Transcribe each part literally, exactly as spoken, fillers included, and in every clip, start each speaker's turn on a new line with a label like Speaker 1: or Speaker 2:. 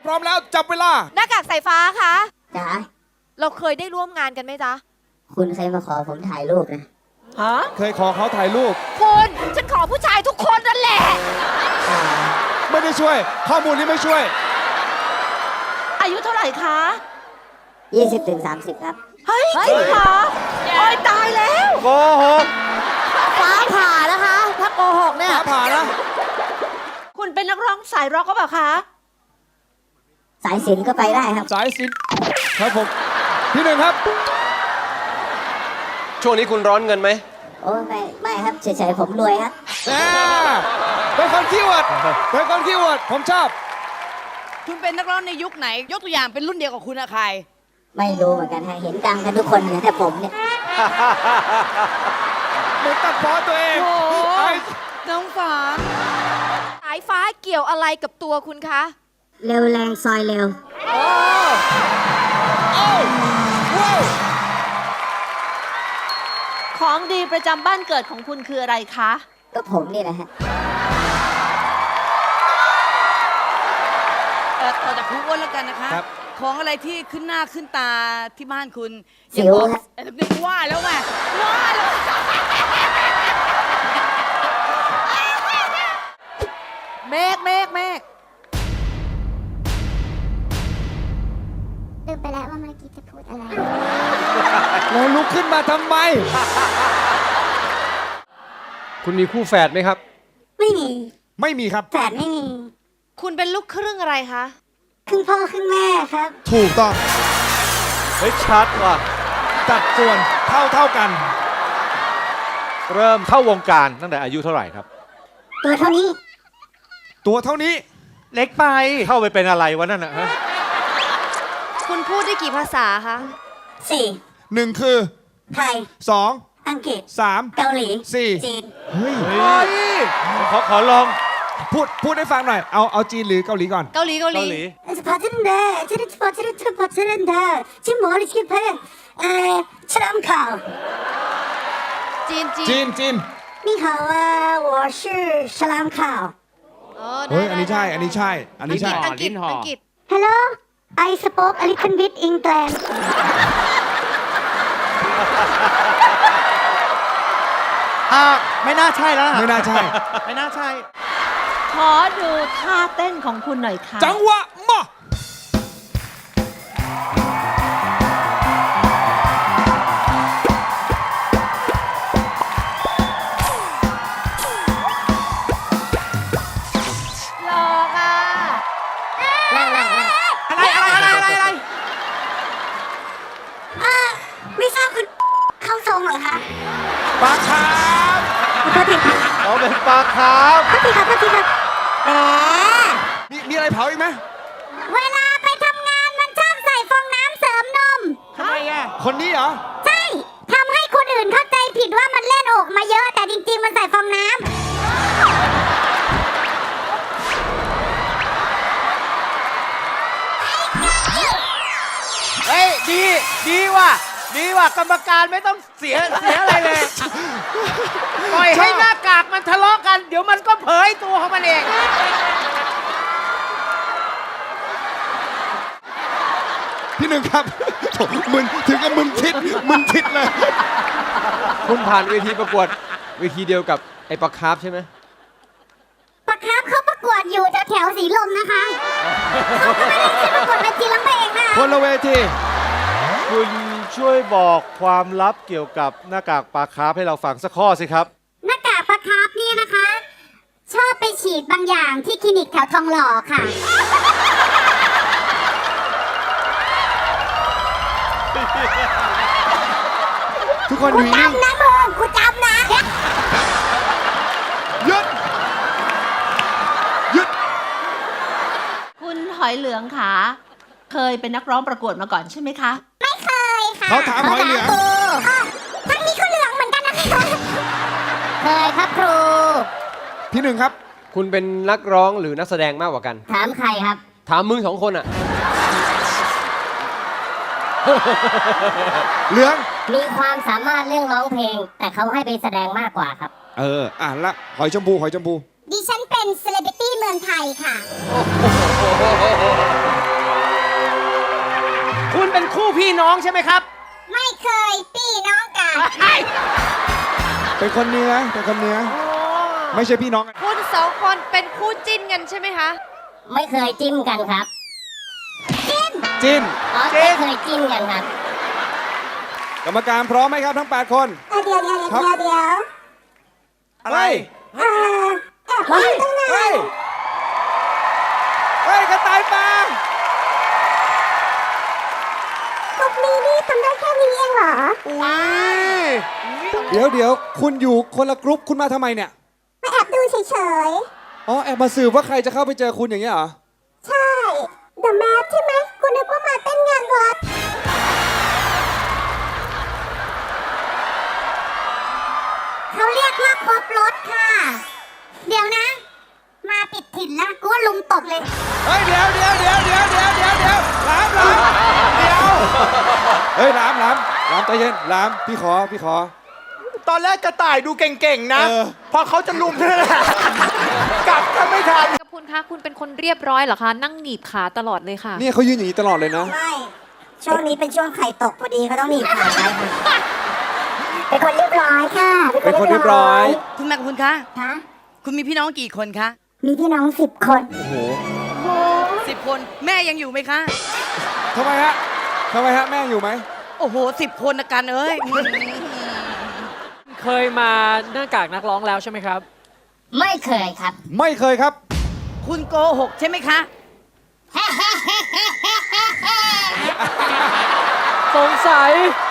Speaker 1: พร้อมแล้วจับเวลา
Speaker 2: หน้ากากสายฟ้าคะ
Speaker 3: จ๋า
Speaker 2: เราเคยได้ร่วมงานกันไหมจ๊ะ
Speaker 3: คุณเคยมาขอผมถ่ายรูปนะ
Speaker 2: ฮะ
Speaker 1: เคยขอเขาถ่ายรูป
Speaker 2: คุณฉันขอผู้ชายทุกคนนั่นแหละ
Speaker 1: ไม่ได้ช่วยข้อมูลนี้ไม่ช่วย
Speaker 2: อายุเท่าไหร่คะ
Speaker 3: ยี่สิบถึงสามสิบครับ
Speaker 2: เฮ้ยจริงเหรอโอ้ยตายแล้ว
Speaker 1: โกหก
Speaker 2: ฟ้าผ่านะคะถ้าโกหกเนี่ย
Speaker 1: ฟ้าผ่านะ
Speaker 2: คุณเป็นนักร้องสายร็อกก็เปล่าคะ
Speaker 3: สายศิลป์ก็ไปได้ครับ
Speaker 1: สายศิลป์ครับผมพี่หนึ่งครับ
Speaker 4: ช่วงนี้คุณร้อนเงินไหม
Speaker 3: โอ้ไม่ไม่ครับเฉยๆผมรวยครับ
Speaker 1: เป็นคนขี้อวดเป็นคนขี้อวดผมชอบ
Speaker 2: คุณเป็นนักร้องในยุคไหนยกตัวอย่างเป็นรุ่นเดียวกับคุณอะใคร
Speaker 3: ไม่รู้เหมือนกันฮะเห็นดังกันทุกคนเลยแต่ผมเนี่ย
Speaker 1: เหมือนตัดพ้อตัวเอง
Speaker 2: น้องฟ้าสายฟ้าเกี่ยวอะไรกับตัวคุณคะ
Speaker 3: เร็วแรงซอยเร็ว
Speaker 2: โอ้
Speaker 1: โอ้ว้าว
Speaker 2: ของดีประจำบ้านเกิดของคุณคืออะไรคะ
Speaker 3: ก็ผมนี่แหละฮะ
Speaker 5: เออต่อจากครูอ้วนแล้วกันนะคะของอะไรที่ขึ้นหน้าขึ้นตาที่บ้านคุณ
Speaker 3: สิวฮะ
Speaker 5: นึกว่าแล้วไงว่าแล้ว
Speaker 2: เมฆเมฆเมฆ
Speaker 3: ลืมไปแล้วว่าเมื่อกี้จะพูดอะไร
Speaker 1: แล้วลุกขึ้นมาทำไม
Speaker 4: คุณมีคู่แฝดไหมครับ
Speaker 3: ไม่มี
Speaker 1: ไม่มีครับ
Speaker 3: แฝดไม่มี
Speaker 2: คุณเป็นลูกครึ่งอะไรคะ
Speaker 3: ครึ่งพ่อครึ่งแม่ครับ
Speaker 1: ถูกต้อง
Speaker 4: เฮ้ยชัดว่ะ
Speaker 1: จัดส่วนเท่าเท่ากัน
Speaker 4: เริ่มเข้าวงการตั้งแต่อายุเท่าไหร่ครับ
Speaker 3: ตัวเท่านี้
Speaker 1: ตัวเท่านี้
Speaker 4: เล็กไปเข้าไปเป็นอะไรวะนั่นนะฮะ
Speaker 2: คุณพูดได้กี่ภาษาคะ
Speaker 3: สี่
Speaker 1: หนึ่งคือ
Speaker 3: ไทย
Speaker 1: สอง
Speaker 3: อังกฤษ
Speaker 1: สาม
Speaker 3: เกาหลี
Speaker 1: สี่
Speaker 3: จีน
Speaker 1: เฮ้ย
Speaker 4: ขอขอลอง
Speaker 1: พูดพูดให้ฟังหน่อยเอาเอาจีนหรือเกาหลีก่อน
Speaker 2: เกาหลีเกาหลี
Speaker 3: พอจะได้จะได้พอจะได้พอจะได้ที่หมอที่เพลเอ่อฉลามขาว
Speaker 2: จีน
Speaker 1: จีนจีน
Speaker 3: 你好啊我是ฉลามขาว
Speaker 1: เฮ้ยอันนี้ใช่อันนี้ใช่อันนี้ใช่
Speaker 2: อังกฤษอังกฤษ
Speaker 3: Hello I spoke a little bit English
Speaker 4: อ่าไม่น่าใช่แล้ว
Speaker 1: ไม่น่าใช่
Speaker 4: ไม่น่าใช่
Speaker 2: ขอดูท่าเต้นของคุณหน่อยค่ะ
Speaker 1: จังหวะมา
Speaker 2: หลอกอ่ะ
Speaker 3: นั่งนั่งนั่ง
Speaker 2: อะไรอะไรอะไรอะไรอะไร
Speaker 3: อ่าไม่ทราบคุณเข้าทรงเหรอคะ
Speaker 1: ปลาคาร์ฟ
Speaker 3: โทษทีค่ะ
Speaker 4: เราเป็นปลาคาร์ฟ
Speaker 3: โทษทีค่ะโทษทีค่ะแหม
Speaker 1: มีมีอะไรเผาอีกไหม
Speaker 3: เวลาไปทำงานมันชอบใส่ฟองน้ำเสริมนม
Speaker 1: ทำไมอ่ะคนนี้เหรอ
Speaker 3: ใช่ทำให้คนอื่นเข้าใจผิดว่ามันเล่นอกมาเยอะแต่จริงๆมันใส่ฟองน้ำ
Speaker 4: เฮ้ยดีดีว่ะดีว่ะกรรมการไม่ต้องเสียเสียอะไรเลยปล่อยให้หน้ากากมันทะเลาะกันเดี๋ยวมันก็เผยตัวของมันเอง
Speaker 1: พี่หนึ่งครับมึนถึงกับมึนทิดมึนทิดเลย
Speaker 4: คุณผ่านเวทีประกวดเวทีเดียวกับไอ้ปลาคาร์ฟใช่ไหม
Speaker 3: ปลาคาร์ฟเขาประกวดอยู่แถวสีลมนะคะเขาไม่ได้ขึ้นประกวดเวทีร้องเพลงนะ
Speaker 1: คนละเวที
Speaker 4: คุณช่วยบอกความลับเกี่ยวกับหน้ากากปลาคาร์ฟให้เราฟังสักข้อสิครับ
Speaker 3: หน้ากากปลาคาร์ฟนี่นะคะชอบไปฉีดบางอย่างที่คลินิกแถวทองหล่อค่ะ
Speaker 1: ทุกคนอยู่นิ่ง
Speaker 3: จำนะมึงกูจำนะ
Speaker 1: หยุดหยุด
Speaker 2: คุณหอยเหลืองค่ะเคยเป็นนักร้องประกวดมาก่อนใช่ไหมคะ
Speaker 3: ไม่เคยค่ะ
Speaker 1: เขาถามหอยเหลือง
Speaker 3: ทั้งนี้ก็เหลืองเหมือนกันนะคะเคยครับครู
Speaker 1: พี่หนึ่งครับ
Speaker 4: คุณเป็นนักร้องหรือนักแสดงมากกว่ากัน
Speaker 3: ถามใครครับ
Speaker 4: ถามมึงสองคนอะ
Speaker 1: เหลือง
Speaker 3: มีความสามารถเรื่องร้องเพลงแต่เขาให้ไปแสดงมากกว่าครับ
Speaker 1: เอออ่ะละหอยชมพูหอยชมพู
Speaker 3: ดิฉันเป็นเซเลบริตี้เมืองไทยค่ะ
Speaker 4: คุณเป็นคู่พี่น้องใช่ไหมครับ
Speaker 3: ไม่เคยพี่น้องกัน
Speaker 1: เป็นคนเหนื้อเป็นคนเหนื้อไม่ใช่พี่น้องกัน
Speaker 6: คุณสองคนเป็นคู่จิ้นกันใช่ไหมคะ
Speaker 3: ไม่เคยจิ้มกันครับ
Speaker 1: จิน
Speaker 3: อ๋อไม่เคยจิ้มกันครับ
Speaker 1: กรรมการพร้อมไหมครับทั้งแปดคน
Speaker 3: เดี๋ยวเดี๋ยวเดี๋ยว
Speaker 1: ครับ
Speaker 3: เดี๋ยว
Speaker 1: อะไร
Speaker 3: เอ่อแอบไปตรงไหน
Speaker 1: เฮ้ยเฮ้ยกระต่ายป่า
Speaker 3: กบนี้นี่ทำได้แค่นี้เองเหรอ
Speaker 1: เดี๋ยวเดี๋ยวคุณอยู่คนละกรุ๊ปคุณมาทำไมเนี่ย
Speaker 3: มาแอบดูเฉย
Speaker 1: อ๋อแอบมาสืบว่าใครจะเข้าไปเจอคุณอย่างเงี้ยเหรอ
Speaker 3: ๆ ใช่ The Map ใช่ไหมคุณนึกว่ามาเต้นงานวัดเขาเรียกว่าครบรถค่ะ เดี๋ยวนะ มาปิดถิ่นแล้วกูว่าลุมตบเลย
Speaker 1: เฮ้ยเดี๋ยวเดี๋ยวเดี๋ยวเดี๋ยวเดี๋ยวเดี๋ยวเดี๋ยวหลามหลามเดี๋ยวเฮ้ยหลามหลามหลามใจเย็นหลามพี่ขอพี่ขอ
Speaker 7: ตอนแรกกระต่ายดูเก่งๆนะ
Speaker 1: เออ
Speaker 7: พอเขาจะลุมเท่านั้นแหละกลับกันไม่ทัน
Speaker 6: กับคุณคะคุณเป็นคนเรียบร้อยเหรอคะ นั่งหนีบขาตลอดเลยค่ะ
Speaker 1: เนี่ยเขายืนอย่างนี้ตลอดเลยนะ
Speaker 3: ไม่ ช่วงนี้เป็นช่วงไข่ตกพอดีเขาต้องหนีบขาไว้ค่ะ เป็นคนเรียบร้อยค่ะ
Speaker 1: เป็นคนเรียบร้อย
Speaker 5: คุณแม่คุณคะ
Speaker 3: ฮะ
Speaker 5: คุณมีพี่น้องกี่คนคะ
Speaker 3: มีพี่น้องสิบคน
Speaker 1: โอ้โห
Speaker 5: สิบคน แม่ยังอยู่ไหมคะ
Speaker 1: ทำไมฮะทำไมฮะแม่อยู่ไหม
Speaker 5: โอ้โหสิบคนนะกันเอ้ย
Speaker 8: เคยมาหน้ากากนักร้องแล้วใช่ไหมครับ
Speaker 3: ไม่เคยครับ
Speaker 1: ไม่เคยครับ
Speaker 5: คุณโกหกใช่ไหมคะ
Speaker 8: สงสัย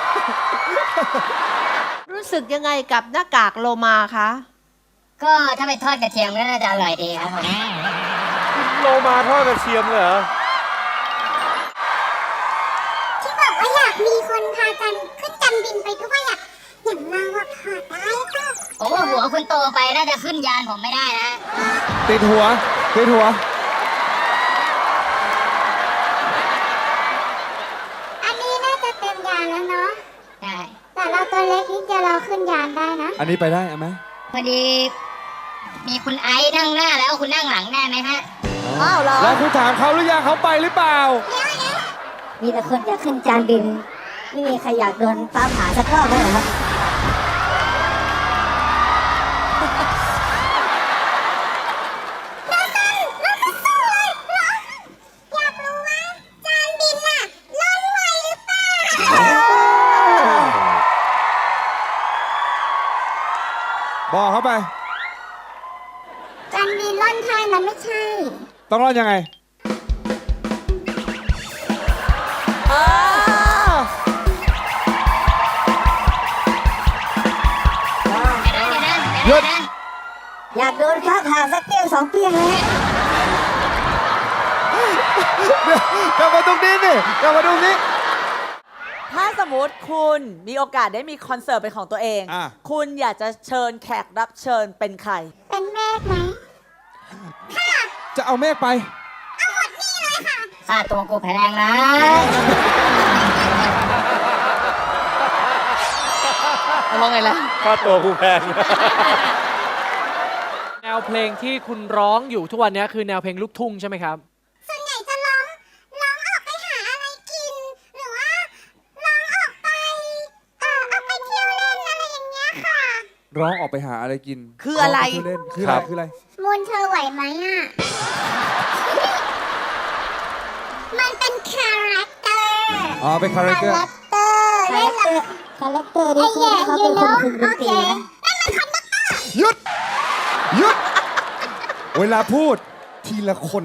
Speaker 2: รู้สึกยังไงกับหน้ากากโลมาคะ
Speaker 3: ก็ถ้าไปทอดกระเทียมก็น่าจะอร่อยดีครับผม
Speaker 7: โลมาทอดกระเทียมเหรอ
Speaker 3: ที่บอกว่าอยากมีคนพากันขึ้นจันบินไปด้วยอยากอย่างเราอะพอได้ค่ะผมว่าหัวคุณโตไปน่าจะขึ้นยานผมไม่ได้นะ
Speaker 1: ติดหัวติดหัว
Speaker 3: อันนี้น่าจะเต็มยานแล้วเนาะใช่แต่เราตัวเล็กนิดเดียวเราขึ้นยานได้นะ
Speaker 1: อันนี้ไปได้ไหม
Speaker 3: พอดี มีคุณไอซ์นั่งหน้าแล้วคุณนั่งหลังได้ไหมฮะ
Speaker 1: อ้าวแล้วคุณถามเขาหรือยังเขาไปหรือเปล่า
Speaker 3: มีแต่คนจะขึ้นจานบิน ไม่มีใครอยากโดนฟ้าผ่าสักรอบเลยเหรอครับ
Speaker 1: บอกเขาไป
Speaker 3: จานบินล่อนไทยมันไม่ใช่
Speaker 1: ต้องรอดยังไง หยุด
Speaker 3: อยากโดนฟ้าผ่าสักเปี้ยงสองเปี้ยงเลย
Speaker 1: กลับมาตรงนี้นี่กลับมาตรงนี้
Speaker 9: ถ้าสมมติคุณมีโอกาสได้มีคอนเสิร์ตเป็นของตัวเอง
Speaker 1: อ่ะ
Speaker 9: คุณอยากจะเชิญแขกรับเชิญเป็นใคร
Speaker 3: เป็นแม่ไหม
Speaker 1: จะเอาเมฆไป
Speaker 3: ค่าตัวกูแพงนะ
Speaker 5: มองไงล่ะ
Speaker 7: ค่าตัวกูแพง
Speaker 8: แนวเพลงที่คุณร้องอยู่ทุกวันนี้คือแนวเพลงลูกทุ่งใช่ไหมครับ
Speaker 3: ส่วนใหญ่จะร้องร้องออกไปหาอะไรกิน หรือว่าร้องออกไปเอ่อออกไปเที่ยวเล่นอะไรอย่างเงี้ยค่ะ
Speaker 1: ร้องออกไปหาอะไรกิน
Speaker 5: คืออะไร
Speaker 1: งปเที่ยวเล่นคืออะไรคืออะไร
Speaker 3: มูลเธอไหวไหมอ่ะ มันเป็นคาแรคเตอร์
Speaker 1: อ๋อเป็นคาแรคเตอร์
Speaker 3: เตอร์เล่นกับคาแรคเตอร์ดิฉันเขาเป็นคนคุมดนตรีนะ
Speaker 1: หยุด หยุด เวลาพูดทีละคน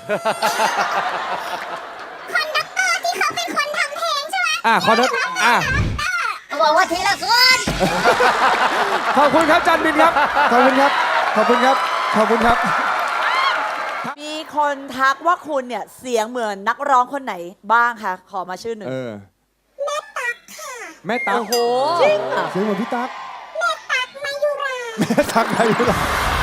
Speaker 3: คอนดักเตอร์ที่เขาเป็นคนทำเพลงใช่ไหม
Speaker 1: อ่ะขอโทษอ่ะ
Speaker 3: เขาบอกว่าทีละคน
Speaker 1: ขอบคุณครับจันบินครับ ขอบคุณครับ ขอบคุณครับ ขอบคุณครับ
Speaker 9: มีคนทักว่าคุณเนี่ยเสียงเหมือนนักร้องคนไหนบ้างคะ ขอมาชื่อหนึ่ง
Speaker 1: เออ แม่ตักค่ะ แม่ตัก
Speaker 9: โอ้โห
Speaker 1: จริงอ่ะเสียงเหมือนพี่ตัก
Speaker 3: แม่ตักมายุรา
Speaker 1: แม่ตักอายุร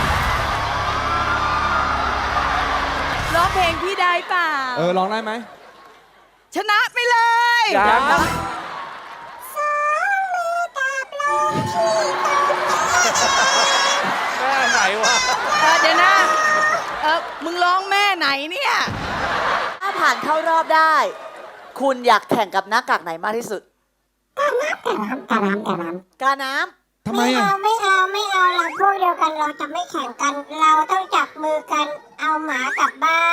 Speaker 5: ร้องเพลงพี่ได้เปล่า
Speaker 1: เออร้องได้ไหม
Speaker 5: ชนะไปเลย
Speaker 8: ยัง
Speaker 3: สองมือกับลงที่ตรงนี้
Speaker 7: แม่ไหนวะ
Speaker 5: เออเดี๋ยวนะเออมึงร้องแม่ไหนเนี่ย
Speaker 9: ถ้าผ่านเข้ารอบได้ คุณอยากแข่งกับหน้ากากไหนมากที่สุด
Speaker 3: กาน้ำกาน้ำ
Speaker 9: กาน้ำ
Speaker 1: ทำไม
Speaker 3: ไม่
Speaker 1: อ่ะ
Speaker 3: เอาไม่เอาไม่เอาเราพวกเดียวกันเราจะไม่แข่งกัน เราต้องจับมือกันเอาหมากลับบ้าน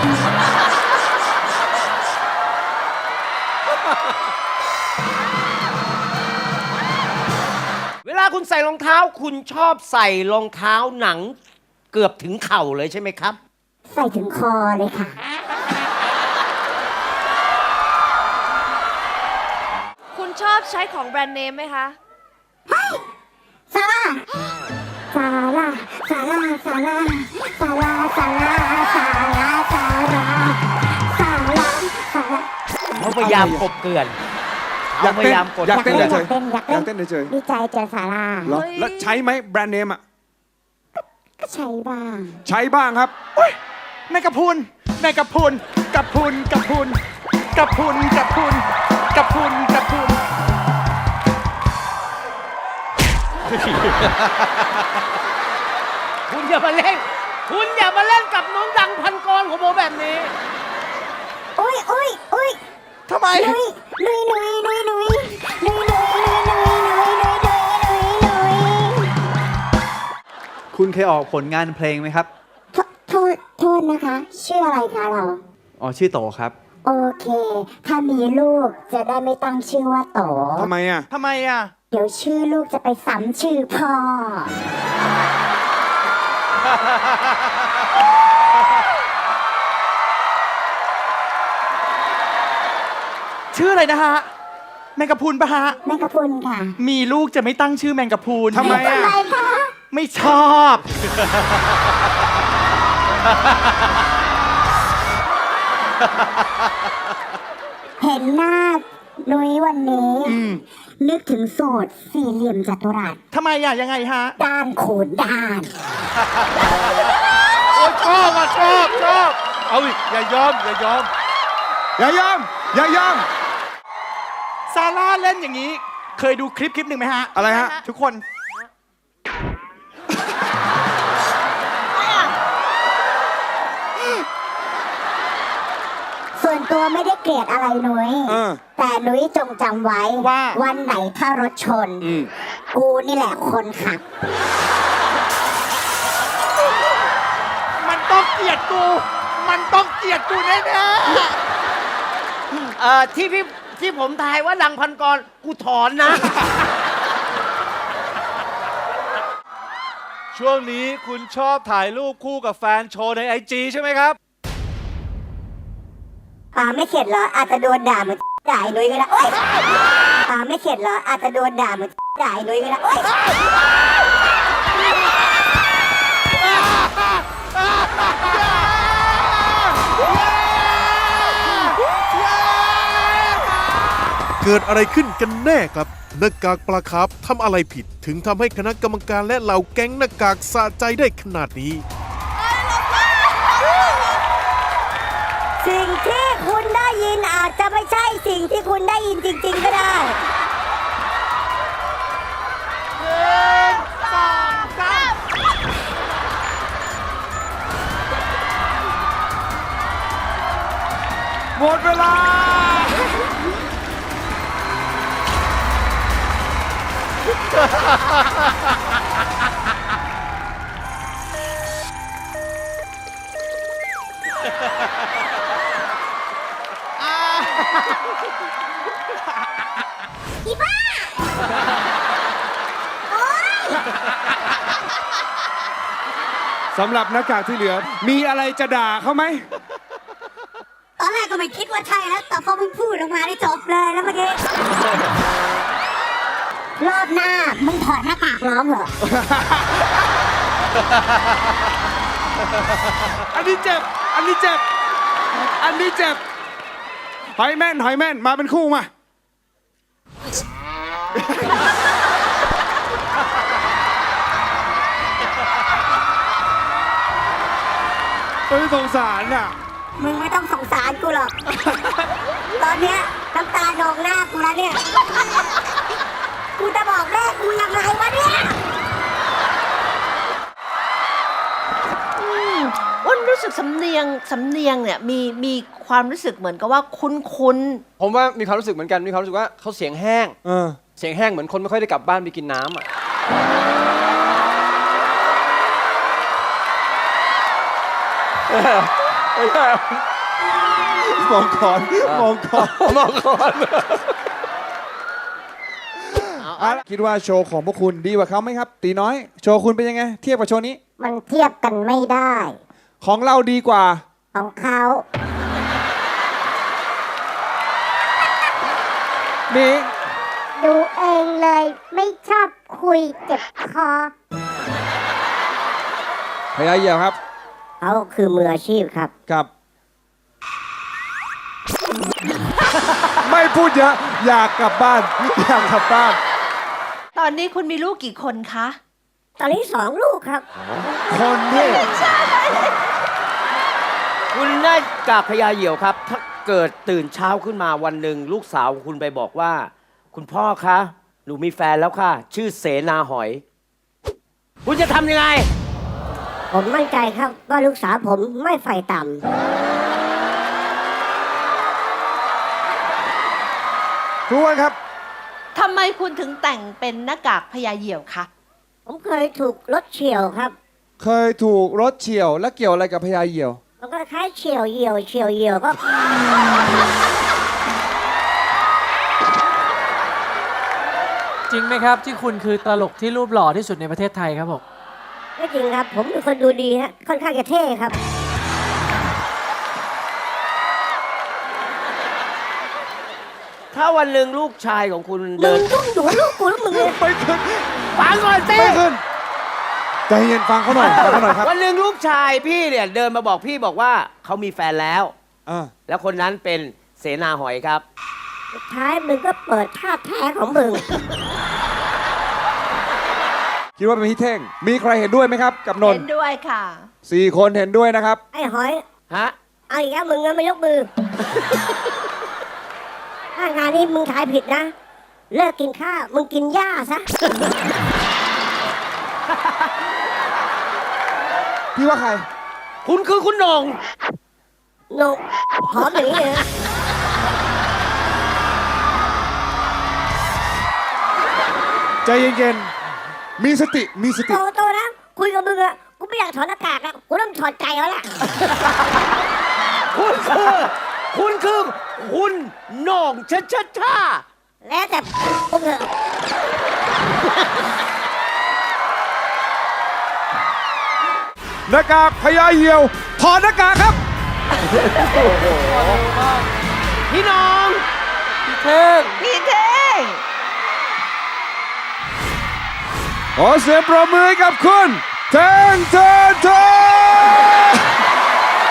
Speaker 4: เวลาคุณใส่รองเท้าคุณชอบใส่รองเท้าหนังเกือบถึงเข่าเลยใช่ไหมครับ
Speaker 3: ใส่ถึงคอเลยค่ะ
Speaker 6: คุณชอบใช้ของแบรนด์เนมไหมคะ
Speaker 3: ซาร่าซาร่าซาร่าซาร่าซาร่าซาร่าซาร่าซาร่าซาร่าซาร่า
Speaker 4: เขาพยายามกบเกลื่อน
Speaker 1: อยาก
Speaker 4: เขาพ
Speaker 1: เต้น
Speaker 4: ยายามกด
Speaker 1: อยากเต้น
Speaker 3: อยาก
Speaker 1: เฉย
Speaker 3: เต้นอยาก
Speaker 1: อยาก
Speaker 3: เต้
Speaker 1: เต้
Speaker 3: น
Speaker 1: นเฉย
Speaker 3: ดีใจเจอซาร่า
Speaker 1: เหรอแล้วใช้ไหมแบรนด์เนมอ่ะ
Speaker 3: ก็ใช้บ้าง
Speaker 1: ใช้บ้างครับ
Speaker 7: แมงกะพรุนแมงกะพรุนกะพรุนกะพรุนกะพรุนกะพรุนกะพรุนกะพรุน
Speaker 4: คุณอย่ามาเล่น คุณอย่ามาเล่นกับน้องดังพันกรของผมแบบนี้
Speaker 3: อุ้ยอุ้ยอุ้ย
Speaker 7: ทำไม
Speaker 3: นุยนุยนุยนุยนุยนุยนุยนุยนุยนุยนุยนุยนุยนุย
Speaker 10: คุณเคยออกผลงานเพลงไหมครับ
Speaker 3: โทษโทษนะคะ ชื่ออะไรคะเรา
Speaker 10: อ๋อ ชื่อโตครับ
Speaker 3: โอเค ถ้ามีลูกจะได้ไม่ตั้งชื่อว่าโต
Speaker 1: ทำไมอ่ะ
Speaker 7: ทำไมอ่ะ
Speaker 3: เดี๋ยวชื่อลูกจะไปซ้ำชื่อพ่อ
Speaker 7: ชื่ออะไรนะฮะ แมงกะพรุนปะฮะ
Speaker 3: แม่กระพุนค่ะ
Speaker 7: มีลูกจะไม่ตั้งชื่อแมงกะพรุน
Speaker 1: ทำไมอ่ะ
Speaker 3: ทำไมคะ
Speaker 7: ไม่ชอบ
Speaker 3: เห็นหน้านุ้ยวันนี้ นึกถึงสูตรสี่เหลี่ยมจัตุรัส
Speaker 7: ทำไมอ่ะ ยังไงฮะ
Speaker 3: ด้านขูดด้าน
Speaker 1: ชอบอ่ะชอบชอบเอาอีกอย่ายอม อย่ายอม อย่ายอม อย่ายอม
Speaker 7: ซาร่าเล่นอย่างนี้ เคยดูคลิปคลิปหนึ่งไหมฮะ
Speaker 1: อะไรฮะ
Speaker 7: ทุกคน
Speaker 3: ส่วนตัวไม่ได้เกลียดอะไรนุ้ย
Speaker 1: เออ
Speaker 3: แต่นุ้ยจงจำไว้
Speaker 7: ว่า
Speaker 3: วันไหนถ้ารถชน
Speaker 1: อืม
Speaker 3: กูนี่แหละคนขับ
Speaker 7: มันต้องเกลียดกู มันต้องเกลียดกูแน่
Speaker 4: เอ่อที่พี่ที่ผมทายว่าดังพันกรกูถอนนะ
Speaker 1: ช่วงนี้คุณชอบถ่ายรูปคู่กับแฟนโชว์ในไอจีใช่ไหมครับ
Speaker 3: ตาไม่เข็ดเหรอ อาจจะโดนด่าเหมือนด่าไอ้นุ้ยก็ได้โอ๊ยตาไม่เข็ดเหรอ อาจจะโดนด่าเหมือนด่าไอ้นุ้ยก็ได้โอ๊ย
Speaker 11: เกิดอะไรขึ้นกันแน่ครับหน้ากากปลาคาร์ฟทำอะไรผิด ถึงทำให้คณะกรรมการและเหล่าแก๊งหน้ากากสะใจได้ขนาดนี้
Speaker 3: สิ่งที่คุณได้ยินอาจจะไม่ใช่สิ่งที่คุณได้ยินจริง ๆ ก็ได้
Speaker 1: หมดเวลา
Speaker 3: อีบ้า
Speaker 1: สำหรับหน้ากากที่เหลือ มีอะไรจะด่าเขาไหม
Speaker 3: ตอนแรกก็ไม่คิดว่าใช่แล้ว แต่พอมึงพูดออกมาได้จบเลยแล้วเมื่อกี้ รอบหน้า มึงถอดหน้ากากร้องเหรอ
Speaker 1: อันนี้เจ็บ อันนี้เจ็บ อันนี้เจ็บ หอยแม่น หอยแม่น มาเป็นคู่มา เฮ้ยสงสารอ่ะ
Speaker 3: มึงไม่ต้องสงสารกูหรอก ตอนเนี้ยน้ำตาโหนองหน้ากูแล้วเนี่ย กูจะบอกแม่กูยังไงวะเนี่ย
Speaker 1: โ
Speaker 2: อ้นรู้สึกสำเนียงสำเนียงเนี่ยมีมีความรู้สึกเหมือนกับว่าคุ้นคุ้น
Speaker 4: ผมว่ามีความรู้สึกเหมือนกันมีความรู้สึกว่าเขาเสียงแห้ง
Speaker 1: เออ
Speaker 4: เสียงแห้งเหมือนคนไม่ค่อยได้กลับบ้านไปกินน้ำอ่ะ
Speaker 1: มองคอนมองคอน
Speaker 4: มองก่อน
Speaker 1: เอาละคิดว่าโชว์ของพวกคุณดีกว่าเขาไหมครับ ตีน้อย โชว์คุณเป็นยังไง เทียบกับโชว์นี้
Speaker 3: มันเทียบกันไม่ได้
Speaker 1: ของเราดีกว่า
Speaker 3: ของเขา
Speaker 1: นี่
Speaker 3: ดูเองเลยไม่ชอบคุยเจ็บคอ
Speaker 1: พยาเหี่ยวครับ
Speaker 3: เขาคือมืออาชีพครับ
Speaker 1: ครับ ไม่พูดเยอะ อยากกลับบ้าน อยากกลับบ้าน
Speaker 2: ๆ ตอนนี้คุณมีลูกกี่คนคะ
Speaker 3: ตอนนี้สองลูกครับ
Speaker 1: คนที่
Speaker 4: คุณได้กากพญาเหยี่ยวครับ ถ้าเกิดตื่นเช้าขึ้นมาวันหนึ่งลูกสาวของคุณไปบอกว่า คุณพ่อคะหนูมีแฟนแล้วค่ะ ชื่อเสนาหอย คุณจะทำยังไง
Speaker 3: ผมมั่นใจครับว่าลูกสาวผมไม่ไฟต่
Speaker 1: ทุกคนครับ
Speaker 2: ทำไมคุณถึงแต่งเป็นหน้ากากพญาเหยี่ยวคะ
Speaker 3: ำผมเคยถูกรถเฉี่ยวครับ
Speaker 1: เคยถูกรถเฉี่ยว และเกี่ยวอะไรกับพญาเหยี่ยว
Speaker 3: มันก็คล้ายเฉี่ยวเหี่ยวเฉี่ยวเหี่ยวก็
Speaker 8: จริงไหมครับ ที่คุณคือตลกที่รูปหล่อที่สุดในประเทศไทยครับผม
Speaker 3: ไม่จริงครับ ผมเป็นคนดูดีฮะค่อนข้างจะเท่ครับ
Speaker 4: ถ้าวันหนึ่งลูกชายของคุณ
Speaker 3: มึ
Speaker 4: เดิ
Speaker 3: ง
Speaker 4: น
Speaker 3: ต้องดูลูกกูแล้วมึงเลย
Speaker 1: ไม่ขึ้น
Speaker 4: ฟังก่อนสิ
Speaker 1: ไม่ขึ้น ใจเย็นฟังเขาหน่อยฟังเขาหน่อยครับ
Speaker 4: วันหนึ่งลูกชายพี่เนี่ยเดินมาบอกพี่บอกว่าเขามีแฟนแล้ว
Speaker 1: อ่า
Speaker 4: แล้วคนนั้นเป็นเสนาหอยครับ
Speaker 3: สุดท้ายมึงก็เปิดท่าแท้ของมึง
Speaker 1: คิดว่าเป็นพี่เท่ง มีใครเห็นด้วยไหมครับ กับนน
Speaker 2: เห็
Speaker 1: ท์
Speaker 2: นด้วยค่ะ
Speaker 1: สี่คนเห็นด้วยนะครับ
Speaker 3: ไอ้หอย
Speaker 4: ฮะ
Speaker 3: เอาอีกแล้วมึงงั้นไม่ยกมือ ถ้างานนี้มึงทายผิดนะ เลิกกินข้าว มึงกินหญ้าซะ
Speaker 1: พี่ว่าใคร
Speaker 4: คุณคือคุณโหนง
Speaker 3: โนหอมอย่างนี้เลยนะ
Speaker 1: ใจเย็นๆ มีสติ มีสติ
Speaker 3: โตโตนะ คุยกับมึงอะกูไม่อยากถอดหน้ากากแล้วกูเริ่มถอดใจแล้วล่ะ
Speaker 4: คุณคือ คุณคือคุณโหนงชะชะชา
Speaker 3: แล้วแต่พวกเธอ
Speaker 1: หน้ากากพญาเหยี่ยว ถอดหน้ากากครับ
Speaker 4: พี่น้อง
Speaker 8: พี่เท่ง
Speaker 2: พี่เท่ง
Speaker 1: ขอเสียงปรบมือให้กับคุณเท่งเทินเทิน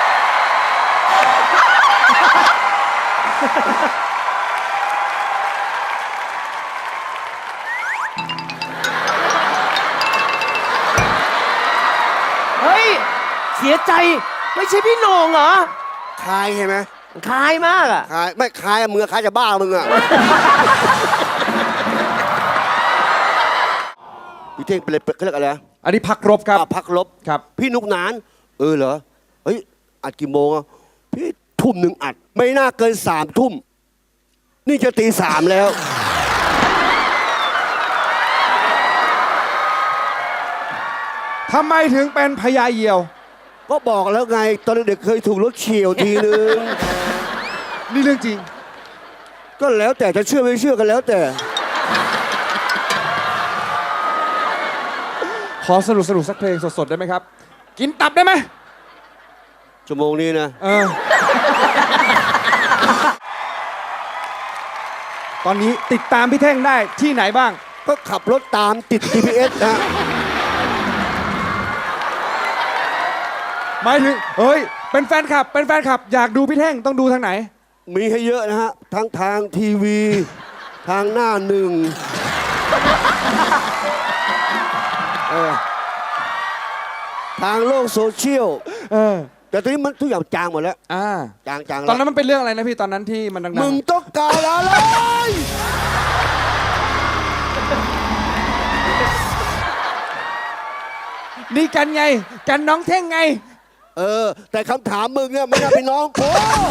Speaker 4: เฮ้ย เสียใจไม่ใช่พี่โหนงเหรอ
Speaker 12: คลายเห็นไหม
Speaker 4: คล้ายมากอ่ะ
Speaker 12: คลายไม่คลายอะมึงอะคลายจะบ้ามึงอะ พี่เท่งเป็นอะไรเขาเรียกอะไรนะ
Speaker 1: อันนี้พักรบครับ
Speaker 12: อ่ะพักลบ
Speaker 1: ครับ
Speaker 12: พี่นุกนาน เออเหรอ เฮ้ย อัดกี่โมงอะพี่ทุ่มหนึ่งอัด ไม่น่าเกินสามทุ่ม นี่จะตีสามแล้ว
Speaker 1: ทำไมถึงเป็นพญาเหยี่ยว
Speaker 12: ก็บอกแล้วไง ตอนเด็กๆเคยถูกรถเฉี่ยวทีนึง
Speaker 1: นี่เรื่องจริง
Speaker 12: ก็แล้วแต่จะเชื่อไม่เชื่อกันแล้วแต่
Speaker 1: ขอสรุปสรุปสักเพลงสดๆได้ไหมครับ กินตับได้ไหม
Speaker 12: ชั่วโมงนี้นะ
Speaker 1: เออ ตอนนี้ติดตามพี่เท่งได้ที่ไหนบ้าง
Speaker 12: ก็ขับรถตามติด จี พี เอส นะ
Speaker 1: หมายถึง เฮ้ย เป็นแฟนคลับ เป็นแฟนคลับ อยากดูพี่เท่งต้องดูทางไหน
Speaker 12: มีให้เยอะนะฮะ ทั้งทางทีวี ทางหน้าหนึ่งเออทางโลกโซเชียล
Speaker 1: เออ
Speaker 12: แต่ตอนนี้มันทุกอย่างจางหมดแล้ว
Speaker 1: อ่า
Speaker 12: จางจาง
Speaker 1: ตอนนั้นมันเป็นเรื่องอะไรนะพี่ ตอนนั้นที่มันดังๆ
Speaker 12: มึงต้องการอะไร
Speaker 1: นี่กันไง กันน้องเท่งไง
Speaker 12: เออ แต่คำถามมึงเนี่ยไม่น่าเป็นน้องกู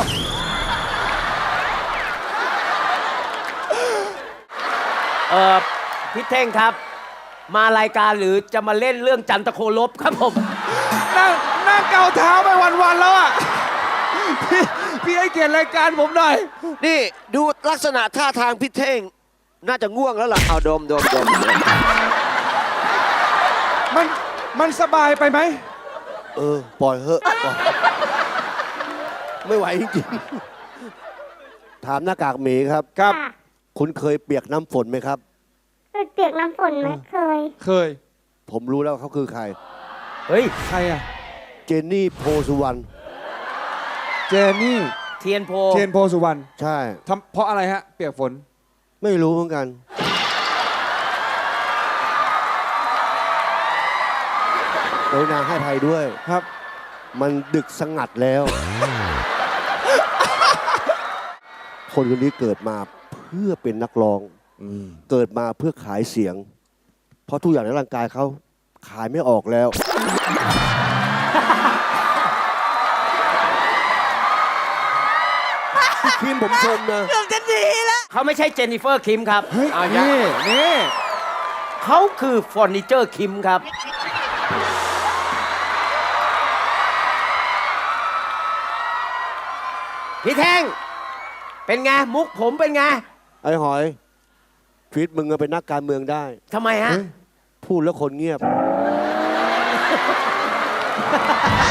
Speaker 4: เออพี่เท่งครับ มารายการหรือจะมาเล่นเรื่องจันทโคลบครับผม
Speaker 1: นั่งนั่งเกาเท้าไปวันๆแล้วอ่ะ พี่พี่ให้เกียรติรายการผมหน่อย
Speaker 12: นี่ดูลักษณะท่าทางพี่เท่ง น่าจะง่วงแล้วล่ะ เอาดมดมดม
Speaker 1: มันมันสบายไปไหม
Speaker 12: เออ ปล่อยเหอะปล่อยไม่ไหวจริงๆ ถามหน้ากากหมีครับ
Speaker 1: ครับ
Speaker 3: ค่ะ
Speaker 12: คุณเคยเปียกน้ำฝนไหมครับ
Speaker 3: เคยเปียกน้ำฝนไหมเคย
Speaker 1: เคย
Speaker 12: ผมรู้แล้วเขาคือใคร
Speaker 4: เฮ้ย
Speaker 1: ใครอ่ะ
Speaker 12: เจนนี่โพสุวรรณ
Speaker 1: เจนนี่
Speaker 4: เทียนโพ
Speaker 1: เทียนโพสุวรรณ
Speaker 12: ใช่
Speaker 1: ทำเพราะอะไรฮะ เปียกฝน
Speaker 12: ไม่รู้เหมือนกัน โดยนางให้ภัยด้วย
Speaker 1: ครับ
Speaker 12: มันดึกสงัดแล้ว คนคนนี้เกิดมาเพื่อเป็นนักร้อง เกิดมาเพื่อขายเสียง เพราะทุกอย่างในร่างกายเขาขายไม่ออกแล้ว คิมผมชมนะ
Speaker 9: เกือบจะดีแล้ว
Speaker 4: เขาไม่ใช่เจนนิเฟอร์คิมครับ
Speaker 1: เฮ้ย
Speaker 4: เอาอย่า
Speaker 1: นี่นี่
Speaker 4: เขาคือเฟอร์นิเจอร์คิมครับ พี่แท่ง เป็นไง มุกผมเป็นไง
Speaker 12: ไอ้หอยฟิตมึงอะเป็นนักการเมืองได้
Speaker 4: ทำไมฮะ
Speaker 12: พูดแล้วคนเงียบ